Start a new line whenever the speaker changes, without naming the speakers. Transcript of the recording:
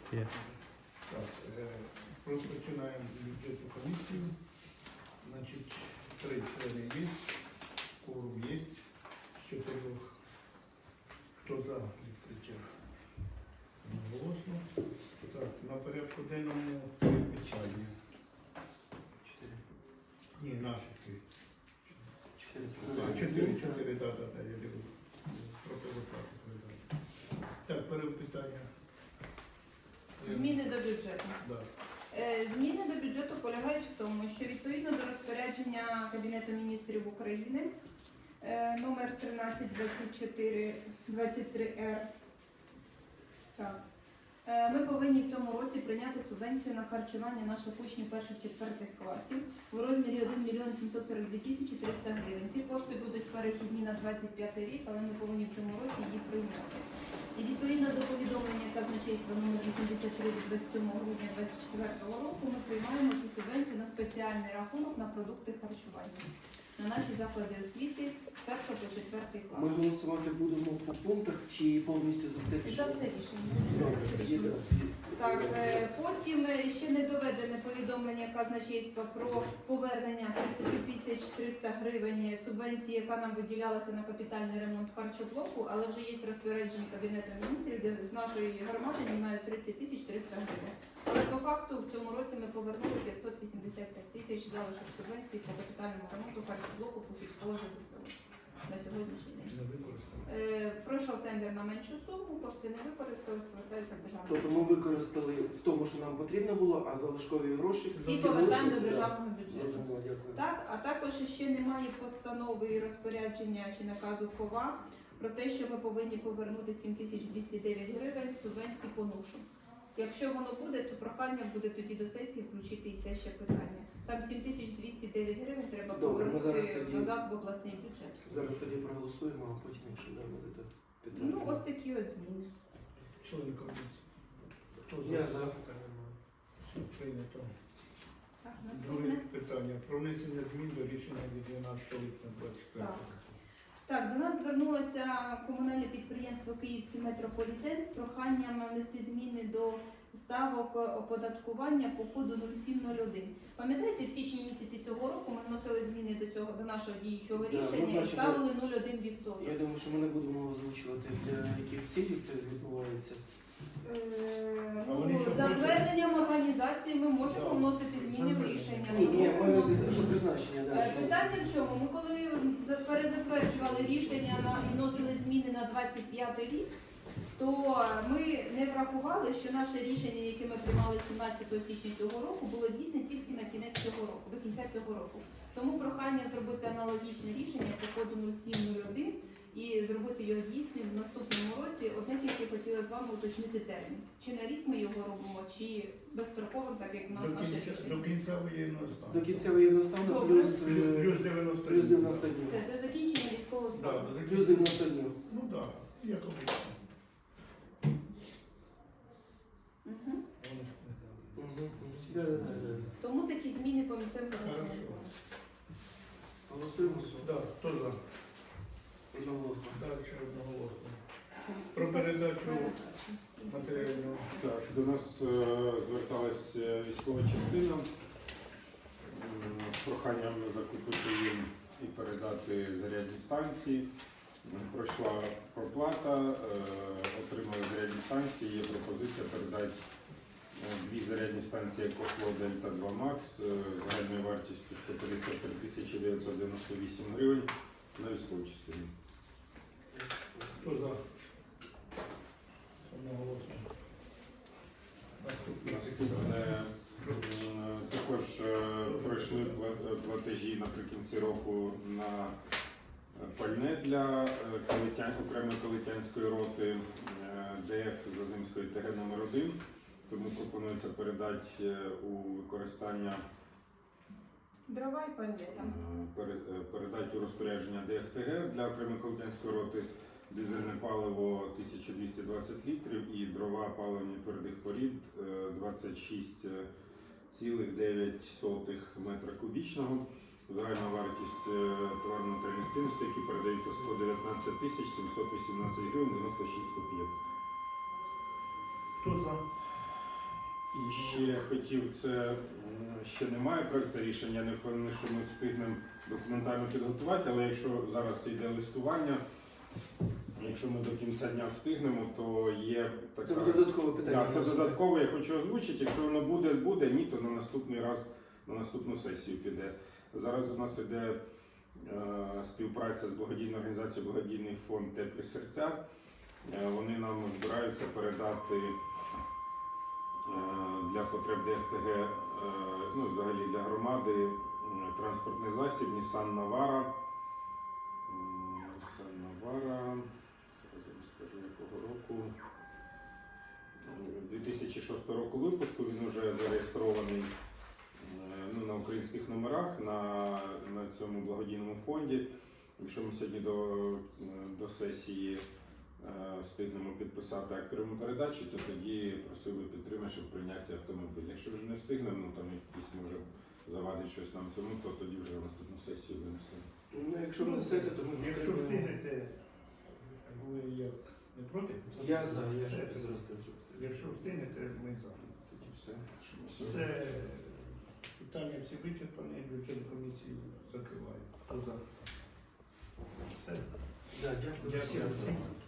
Є.
Так, розпочинаємо бюджетну комісію. Значить, 3 члени є, кворум є, з 4. Хто за відкриття? Голосно. Так, на порядку денному 3 питання. 4. Ні, наші 3. 4, да, я дивлюсь. Противоплати передати. Так, перше питання.
Зміни до бюджету.
Да.
Зміни до бюджету полягають в тому, що відповідно до розпорядження Кабінету міністрів України номер 1324-23-Р, ми повинні в цьому році прийняти субвенцію на харчування наших учнів 1-4 класів в розмірі 1 мільйон 742 тисячі 300 гривень. Ці кошти будуть перехідні на 25 рік, але ми повинні в цьому році їх прийняти. І відповідно до повідомлення казначейства номер 83 від 27 грудня 2024 року ми приймаємо цю субвенцію на спеціальний рахунок на продукти харчування на наші заклади освіти з 1 по 4 клас.
Ми голосувати будемо по пунктах чи повністю за все
За
рішення?
все рішення. Так, потім ще не доведене повідомлення казначейства про повернення 30 300 гривень субвенції, яка нам виділялася на капітальний ремонт харчоблоку, але вже є розпорядження Кабінету міністрів, де з нашої громади знімають 30 300 гривень. Але по факту в цьому році ми повернули 585 тисяч залишок субвенції по капітальному ремонту харчоблоку по сільського ЗСУ на сьогоднішній день.
Не використано.
Пройшов тендер на меншу суму, кошти не використались, повертаються в державний
Тобто ми використали в тому, що нам потрібно було, а залишкові гроші
всі повертаємо до
залишилися, да.
державного бюджету.
Зрозуміло, дякую.
Так, а також ще немає постанови і розпорядження чи наказу КОВА про те, що ми повинні повернути 7209 гривень субвенції по НУШу. Якщо воно буде, то прохання буде тоді до сесії включити і це ще питання. Там 7209 гривень треба
Добре, ми зараз
повернути
тоді-
назад в обласний бюджет.
Зараз тоді проголосуємо, а потім, якщо да, буде питання.
Ну, ось такі от зміни.
Члени комісії. Хто за?
Я за.
Все прийнято.
Так,
Друге
наступне.
питання. Про внесення змін до рішення від 12 липня 25
Так. Так, до нас звернулося комунальне підприємство Київський метрополітен з проханням внести зміни до ставок оподаткування по коду 0701. Пам'ятаєте, в січні місяці цього року ми вносили зміни до нашого діючого
Да, ми
рішення і
бачимо.
ставили 0,1%.
Я думаю, що ми не будемо озвучувати, для яких цілей це відбувається.
А вони що
За
хочуть?
зверненням організації ми можемо
Да.
вносити зміни в рішення.
Ні,
Ми
ні,
можемо
ми
вносити.
що призначення, да, чи
Питання в чому? Ми коли перезатверджували рішення і вносили зміни на 25 рік, то ми не врахували, що наше рішення, яке ми приймали 17 січня цього року, було дійсне тільки на кінець цього року, до кінця цього року. Тому прохання зробити аналогічне рішення по коду 0701 і зробити його дійсним в наступному році. Одне тільки хотіла з вами уточнити термін. Чи на рік ми його робимо, чи безстроковим, так як в нас наше
До
рішення.
кінця воєнного стану.
До кінця воєнного стану
Добре.
плюс,
Плюс 90
плюс 90 днів.
Це до закінчення військового
Да,
стану.
до
Плюс 90 днів.
Ну так, як обично.
Мгм.
Вони ж не дали.
Да, да, да.
Тому такі зміни по місцевим
Хорошо.
громадам.
Голосуємо.
Да, хто за?
Одноголосно.
Далі одноголосно. Про передачу матеріального.
Так, до нас зверталась військова частина з проханням закупити їм і передати зарядні станції. Пройшла проплата, отримали зарядні станції. Є пропозиція передати 2 зарядні станції EcoFlow Delta 2 Max загальною вартістю 153 998 гривень на військову частину.
Хто за? Одноголосно.
Наступне також пройшли платежі наприкінці року на пальне для окремої калитянської роти ДФ Зазимської ТГ номер 1. Тому пропонується передати у використання,
Дрова і пальне там.
передати у розпорядження ДФТГ для окремої калитянської роти дизельне паливо 1220 літрів і дрова паливні твердих порід 26,9 метра кубічного. Загальна вартість товарно-матеріальних цінностей, які передаються 119 718 гривень 96 копійок.
Хто за?
І ще хотів, це ще немає проекту рішення, я не впевнений, що ми встигнемо документально підготувати, але якщо зараз йде листування, якщо ми до кінця дня встигнемо, то є така...
Це буде додаткове питання.
Так, це додатково, я хочу озвучити. Якщо воно буде, буде, ні, то на наступний раз, на наступну сесію піде. Зараз у нас іде співпраця з благодійною організацією Благодійний фонд Теплі серця. Вони нам збираються передати для потреб ДФТГ, ну, взагалі для громади, транспортний засіб Nissan Navara. Nissan Navara, зараз я скажу якого року. 2006 року випуску, він вже зареєстрований ну, на українських номерах на цьому благодійному фонді. Якщо ми сьогодні до сесії встигнемо підписати акт прийому передачі, то тоді просив би підтримати, щоб прийняти цей автомобіль. Якщо вже не встигнемо, ну там якісь може завадить щось нам цьому, то тоді вже на наступну сесію винесемо.
Ну, якщо внесете, то ми
Якщо
підтримуємо.
встигнете, ви як не проти?
Я за, я
Все.
зараз.
Якщо встигнете, ми за.
Тоді все. Що ми
Все
сьогодні-
питання всі вичерпані, бюджет комісії закриває. Хто за? Все.
Да, дякую.
Дякую всім.